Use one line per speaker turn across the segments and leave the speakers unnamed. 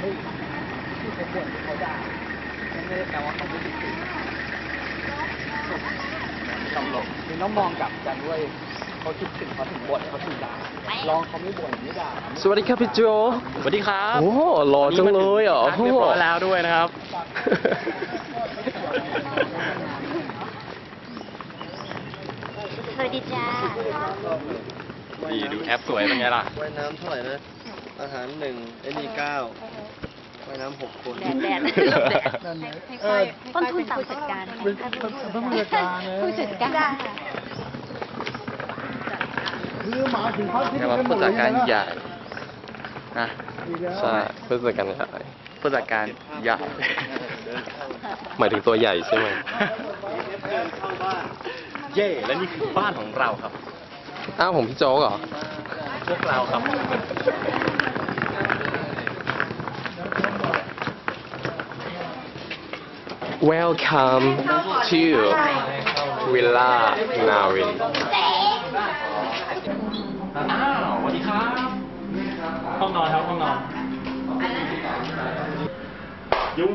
ฮ้ยที่เขาบ่นที่เขาด่าไม่ได้แปลว่าเขาไม่คิดถึงตลกคือต้องมองกลับกันด้วยเขาคิดถึงเขาถึงบ่นเขาถึงด่าลองเขาไม่บ่นไม่ด่า
สวัสดีครับพี่โจ
สวัสดีครับ
โอ้หล่อจังเลยอ่ะ
เรียบร้อยแล้วด้วยนะครับ
สวัสดีจ้า
ดีดูแอปสวยเป็นไงล่ะ
ว่ายน้ำเท่าไหร่นะอาหาร1ไอ้นี่9ว่ายน้ำ6 คน
แดดต้นทุนต่ำผู้จัดการผู้จัดการ
คือหมาถึงเขาที่
เรียกว่าผู้จัดการใหญ่นะใช่ผู้จัดการใหญ่
ผู้จัดการใหญ่
หมายถึงตัวใหญ่ใช่ไหม
เย่และนี่คือบ้านของเราครับ
อ้าวผมพี่โจ๊กเหรอ
พวกเราครับ
Welcome to Villa Navin
อ้าวสวัสดีครับ ห้องนอนครับห้องนอนยุง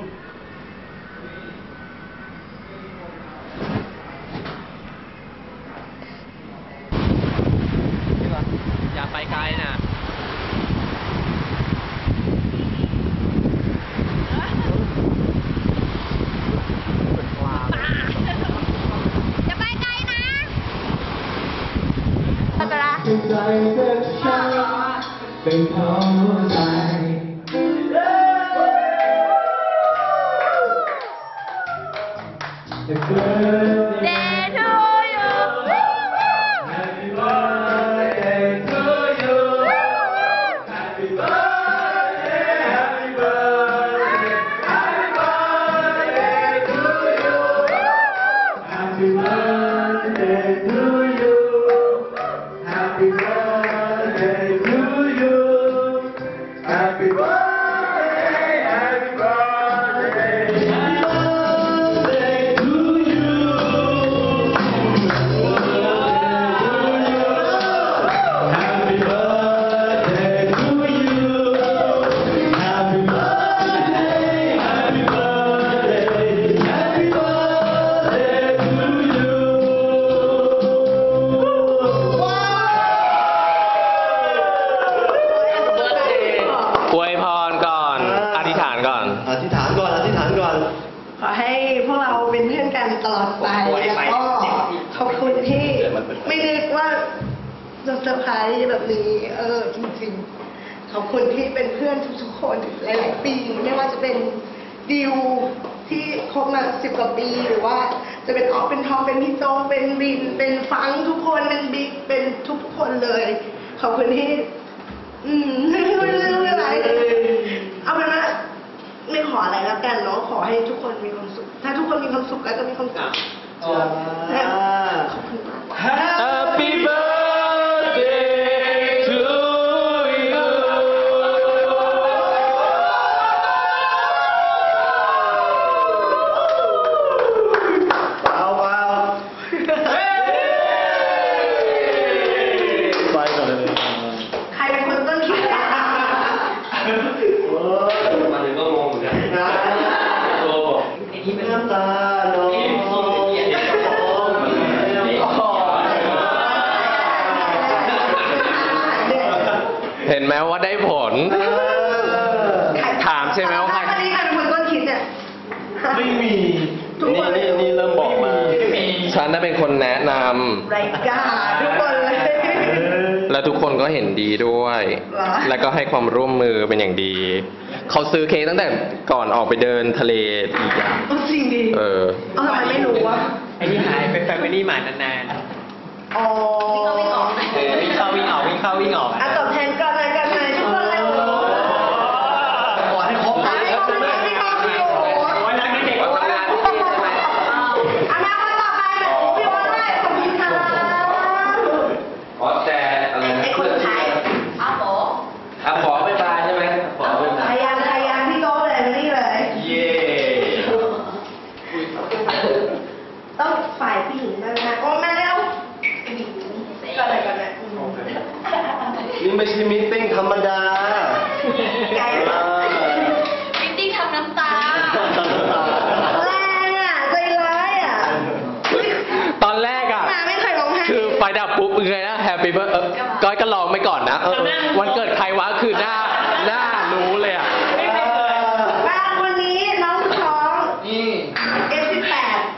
อย่าไปไกลนะ
จะไปไกลนะตะกระ
ใจเป็นฉันเป็นของใจ
เดทูยู
Happy birthday to you Happy birthday Happy birthday Happy birthday to you Happy birthday to you Happy birthday to you Happy birthday Happy birthday Happy birthday to you Happy birthday to you Happy birthday Happy birthday Happy birthday to you
อวยพรก่อน อธิษฐานก่อน
อธิษฐานก่อน อธิษฐานก่อน
ขอให้พวกเราเป็นเพื่อนกันตลอดไป แล้วก็ขอบคุณที่ไม่นึกว่าจะเซอร์ไพรส์แบบนี้ จริงๆ ขอบคุณที่เป็นเพื่อนทุกๆคนหลายๆปี ไม่ว่าจะเป็นดิวที่คบมา10 กว่าปี หรือว่าจะเป็นออกเป็นทองเป็นพี่โจเป็นบิน เป็นฟังทุกคน เป็นบิ๊ก เป็นทุกๆคนเลย ขอบคุณที่ ไม่รู้อะไร เอาเป็นว่าไม่ขออะไรแล้วกันเนาะ ขอให้ทุกคนมีความสุข ถ้าทุกคนมีความสุขแล้วก็มีความสุขขอบคุณมาก
Happy birthday to you
เปล่าเปล่าไปก่อนเลย
ใครเป็นคนต้นคิดอะ
มาถึงก็งงเหมือนกัน
โอ้น้ำตาน้อง
เห็นไหมว่าได้ผล ถามใช่ไหมว่าใคร
ตอนนี้ใครเป็นคนต้นคิดเนี่ย
ไม่มี
ทุกคนเลย
นี่เริ่มบอกมา
ฉันน่ะเป็นคนแนะน
ไรกาทุกคนเลย
ำ และทุกคนก็เห็นดีด้วย
เหรอ
แล้วก็ให้ความร่วมมือเป็นอย่างดี เขาซื้อเค้กตั้งแต่ก่อนออกไปเดินทะเลอีกอะ
จริงดิ
เออ
ทำไมไม่รู้วะ
ไอ้ที่หายเป็นแฟมิลี่มานาน
อ๋อ
วิ่งเข้าวิ่งออก
ๆวิ่งเข้าวิ่งออกวิ่งเข้าวิ่งออก
อ่ะตอบแทนกันเลยกันเลยทุกคนเลยโอ้โห
ขอให้ครบ
ขอให้ครบเลยที่ครบที่โอ้โห
โอ้ยรักเด็ก
วันทำงานที่นี่ใช่ไหม
อนาคตต่อไปแบบพี่ว่าได้ขอบคุณค่ะ
อ๋อแต่อะไรนะ
ไอ้คนไทย
อ้าวโห
อ่ะขอบ๊ายบายใช่ไหมขอบ๊ายบาย
ใครยังพี่โก้เลยนี่เลย
เย่
ต้องฝ่ายผู้หญิงด้วยนะโอ้แม่เร็วก็อะไรกันเนี่ย
นี่ไม่ใช่มีตติ้งธรรมดา
ไกล
อ่า
ก็ลองไปก่อนนะวันเกิดใครวะคือหน้ารู้เลยอ่ะ
บ้านวันนี้น้องท้อง
นี่
F18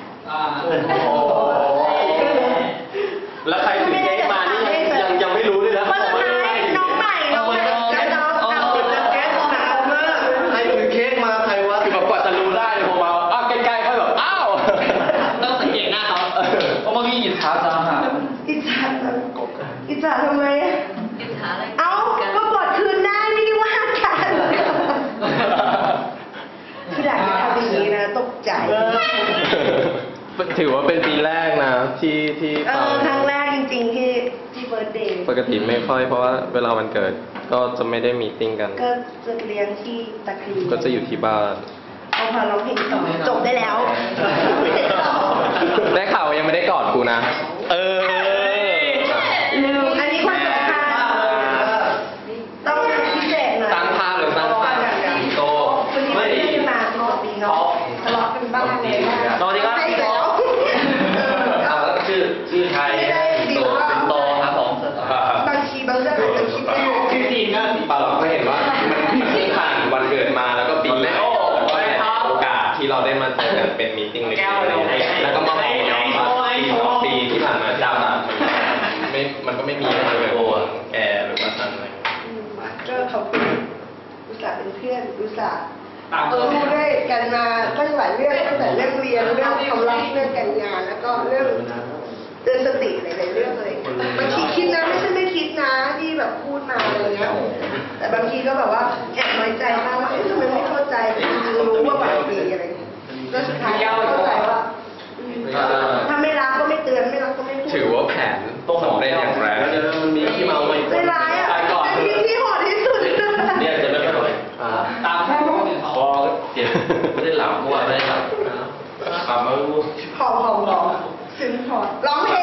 แล้วใครถือเค้กมานี่ยังไม่รู้เลยนะ
คนสุดท้ายน้องใหม่น้องเอาแก๊สถามว่า
ใครถือเค้กมาใครวะคือแบบกว่าจะรู้ได้ผมมาอ้าวใกล้ๆค่อยแบบอ้าวต้องสังเกตหน้าเขาเพราะเมื่อกี้หยิบเท้าจะหา
อิจฉาทำไมเอ้าก็กดคืนได้ไม่ได้ว่ากันคืออยากจะทำอย่างนี้นะตกใจ
ถือว่าเป็นปีแรกนะที่ฟัง
ครั้งแรกจริงๆที่เบิร์ธเดย์
ปกติไม่ค่อยเพราะว่าเวลาวันเกิดก็จะไม่ได้มีตติ้งกัน
ก็จะเลี้ยงที่ตะครี
ก็จะอยู่ที่บ้าน
เอาพาร้องเพลงต่อจบได้แล้วไม่ได้ต่อ
ได้ข่าวว่ายังไม่ได้กอดกูนะ
ลืมอันนี้คนสำคัญต้องพิเศษหน่อย
สร้างภาพหรือสร้างภาพโต
วันนี้ไม่ได้มาปกติเนาะทะเลาะกันบ้างเลยนะ
สวัสดีครับ
ให้แล้ว
อ้าวแล้วชื่อไทยโตเป็นโตครับผม
บางทีบางเรื่องอาจจะคิดไม่ออก
ชื่อจีนนะ
เปล่าหรอกก็เห็นว่ามันเพิ่งผ่านวันเกิดมาแล้วก็ปีแรกโอกาสที่เราได้มาเจอกันเป็นมีตติ้งเล็กๆแล้วก็มาบอกน้องว่าปีที่ผ่านมาจำมันก็ไม่มีอะไรเลยแกหรือว่าทันอะไร
ก็ขอบคุณอุตส่าห์เป็นเพื่อนอุตส่าห์รู้ด้วยกันมาตั้งหลายเรื่องตั้งแต่เรื่องเรียนเรื่องความรักเรื่องการงานแล้วก็เรื่องเตือนสติหลายๆเรื่องเลยบางทีคิดนะไม่ใช่ไม่คิดนะที่แบบพูดมาอะไรเงี้ยแต่บางทีก็แบบว่าแอบน้อยใจมากว่าทำไมไม่เข้าใจรู้ว่าบางทีอะไรเงี้ยแล้วสุดท้ายก็เข้าใจว่าถ้าไม่รักก็ไม่เตือนไม่รักก็ไม่พูด
ถือว่าแผนสำเร็จอย่างแรง
มันมีที่เมาไหม
ไม่ร้ายอ่ะ
ตายก่อน
เป็นที่โหดที่สุด
เนี่ยจะไม่ค่อยตามพอเจ็บไม่ได้หลับเมื่อวานไม่ได้หลับมาไม่รู้
พอซึ้งพอร้องเพลง